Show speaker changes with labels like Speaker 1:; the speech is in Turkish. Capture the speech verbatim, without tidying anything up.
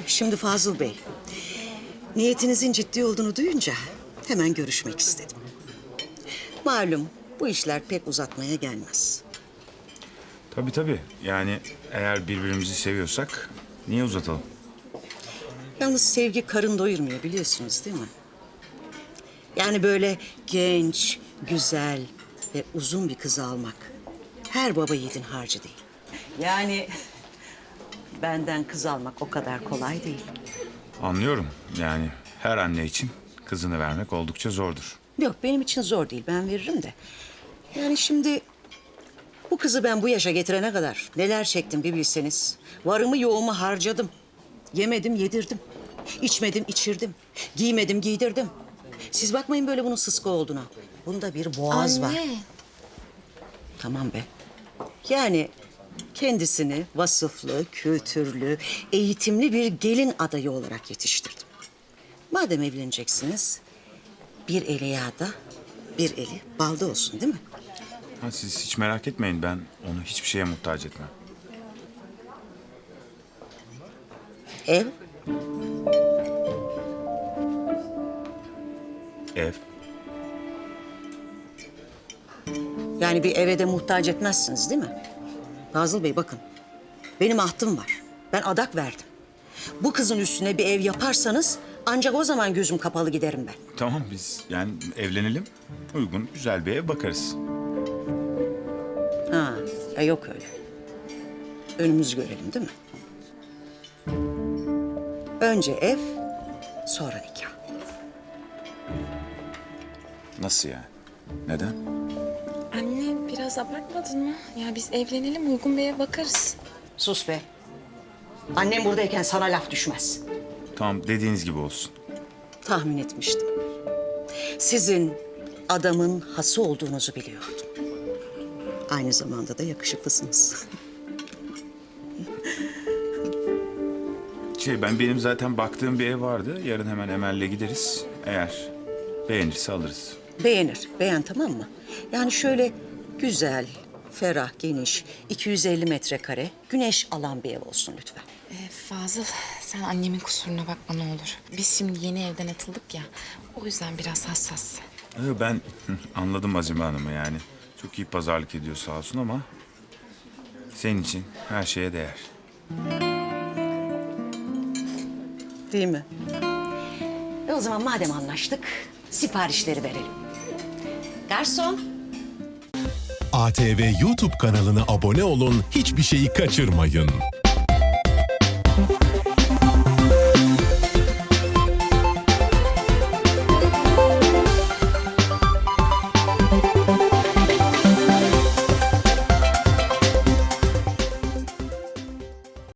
Speaker 1: Şimdi Fazıl Bey, niyetinizin ciddi olduğunu duyunca hemen görüşmek istedim. Malum bu işler pek uzatmaya gelmez.
Speaker 2: Tabii tabii. Yani eğer birbirimizi seviyorsak niye uzatalım?
Speaker 1: Yalnız sevgi karın doyurmuyor biliyorsunuz değil mi? Yani böyle genç, güzel ve uzun bir kızı almak her baba yiğidin harcı değil. Yani benden kız almak o kadar kolay değil.
Speaker 2: Anlıyorum. Yani her anne için kızını vermek oldukça zordur.
Speaker 1: Yok benim için zor değil, ben veririm de. Yani şimdi bu kızı ben bu yaşa getirene kadar neler çektim bir bilseniz. Varımı yoğumu harcadım. Yemedim yedirdim. İçmedim içirdim. Giymedim giydirdim. Siz bakmayın böyle bunun sıska olduğuna. Bunda bir boğaz var.
Speaker 3: Anne.
Speaker 1: Tamam be. Yani kendisini vasıflı, kültürlü, eğitimli bir gelin adayı olarak yetiştirdim. Madem evleneceksiniz, bir eli yağda, bir eli balda olsun değil mi?
Speaker 2: Ha, siz hiç merak etmeyin. Ben onu hiçbir şeye muhtaç etmem.
Speaker 1: Ev,
Speaker 2: Ev.
Speaker 1: yani bir eve de muhtaç etmezsiniz değil mi? Fazıl Bey bakın, benim ahtım var. Ben adak verdim. Bu kızın üstüne bir ev yaparsanız ancak o zaman gözüm kapalı giderim ben.
Speaker 2: Tamam biz yani evlenelim. Uygun güzel bir ev bakarız.
Speaker 1: Ha, e yok öyle. Önümüzü görelim değil mi? Önce ev, sonra nikah.
Speaker 2: Nasıl yani? Neden?
Speaker 3: Anne biraz abartmadın mı? Ya biz evlenelim uygun bir eve bakarız.
Speaker 1: Sus be. Annem buradayken sana laf düşmez.
Speaker 2: Tamam dediğiniz gibi olsun.
Speaker 1: Tahmin etmiştim. Sizin adamın hası olduğunuzu biliyordum. Aynı zamanda da yakışıklısınız.
Speaker 2: Şey ben benim zaten baktığım bir ev vardı. Yarın hemen Emel'le gideriz. Eğer beğenirse alırız.
Speaker 1: Beğenir, beğen tamam mı? Yani şöyle güzel, ferah, geniş, iki yüz elli metrekare, güneş alan bir ev olsun lütfen.
Speaker 3: Ee, Fazıl sen annemin kusuruna bakma ne olur. Biz şimdi yeni evden atıldık ya. O yüzden biraz hassas.
Speaker 2: Ee, Ben anladım Azime Hanım'ı yani. Çok iyi pazarlık ediyor sağ olsun ama... ...senin için her şeye değer.
Speaker 1: Değil mi? E o zaman madem anlaştık, siparişleri verelim. Garson.
Speaker 4: A T V YouTube kanalına abone olun, hiçbir şeyi kaçırmayın.